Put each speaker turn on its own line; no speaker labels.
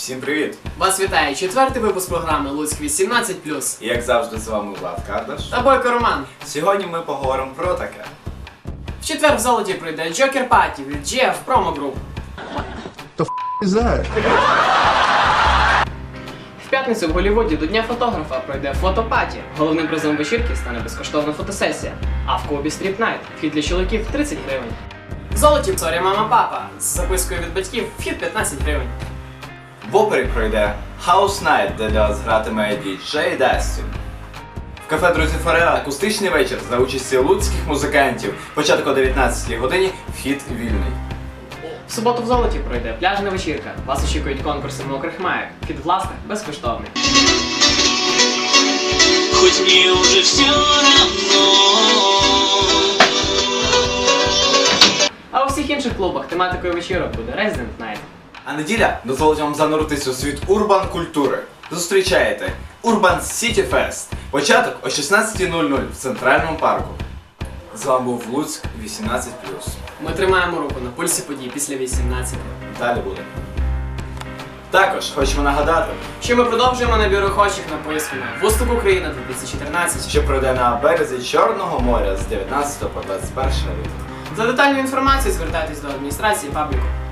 Всім привіт!
Вас вітає 4-й випуск програми Луцьк 18+.
І як завжди з вами Влад Кардаш.
Та Бойко Роман.
Сьогодні ми поговоримо про таке.
В четвер в Золоті пройде Joker Party від GF Promo Group. В п'ятницю в Голлівуді до Дня фотографа пройде фотопаті. Головним призом вечірки стане безкоштовна фотосесія. А в клубі Street Night вхід для чоловіків 30 гривень. В Золоті «Сорі, мама, папа» з запискою від батьків вхід 15 гривень.
В опері пройде House Night, де для вас гратиме діджей Дастін. В кафе «Друзі Фореа» акустичний вечір за участі луцьких музикантів. Початок о 19-й годині, вхід вільний.
В суботу в Золоті пройде пляжна вечірка. Вас очікують конкурси мокрих маєк. Вхід власне безкоштовний.
Хоть мне уже все равно.
А у всіх інших клубах тематикою вечірок буде Resident Night.
А неділя дозволить вам зануритися у світ урбан культури. Зустрічаєте Urban City Fest. Початок о 16:00 в Центральному парку. З вами був Луцьк 18+.
Ми тримаємо руку на пульсі подій після 18.
Далі буде. Також хочемо нагадати,
Що ми продовжуємо набір охочих на поїздку на Вустук Україна 2014.
що пройде на березі Чорного моря з 19 по 21 лютого.
За детальну інформацію звертайтесь до адміністрації пабліку.